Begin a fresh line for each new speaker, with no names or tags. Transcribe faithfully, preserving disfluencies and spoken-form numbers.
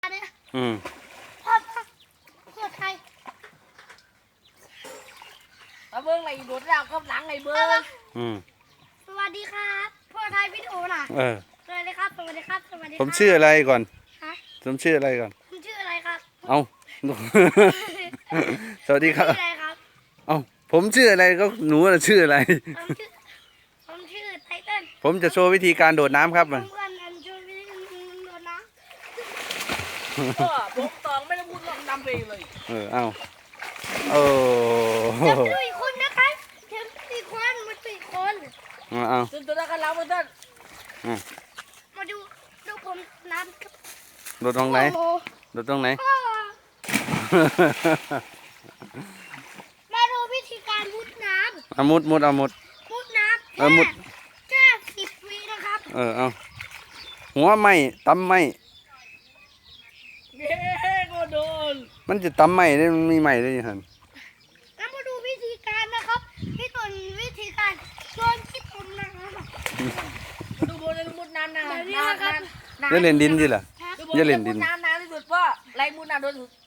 เนี่ย
อืม
พ่อพ่อไทย
มาเบิ้งอะไรโดดแล้วก็หลังไอ้เบิ้ง
อืม
สวัสดีครับพ่อไทยวิดีโอน่ะ
เออ
สวัสดีครับสวัสดีครับสวัสดี
ผมชื่ออะไรก่อน
ฮะ
ผมชื่ออะไรก่อน
คุณชื่ออะไรครับ
เอา สวัสดีครับ
ชื่ออะไรครับ
เอาผมชื่ออะไรก็หนูน่ะชื่ออะไร
ผมชื่อผมชื่อไทเติ้ล
ผมจะโชว์วิธีการโดดน้ำครับ
ผ
มั
ม
น
เพื่อนกันช่วยพี่โดนน้
ก็ผมตองไม่ได้พูดลองดำเองเลย
เออ เอาโอ้
ำจับดูอีกคนนะครับเทมสี่คนมาสี่คน
เอาเอา
จนตัวนั้นก็รับมาต้น
มาดูดูผมน้ำครับ
โดดตรงไหน
โอ้โ
โดดตรงไหน
พ่อมาดูวิธีการมุดน้
เอามุดมุดเอามุด
ำมุดน้ำ
เออมุด
แค่สิบวินะครับ
เออ เอาหัวไหมตำไหม
เย้ก็โดน
มันจะตำไหมได้มันมีไหมได้ยังไง
แล้วมาดูวิธีการนะครับพี่ตุนวิธีการโยนขี้ตุนนะครับ
ดูโบนเลยมุดน้ำนาน
แบบนี้
นาน
นะครับ
นาน
จะเล่นดินสิล่ะ
ดูโบ
อย่าเล่นดิน
มุดน้ำนานที่สุดเพราะไรมุดน้ำโดนสุด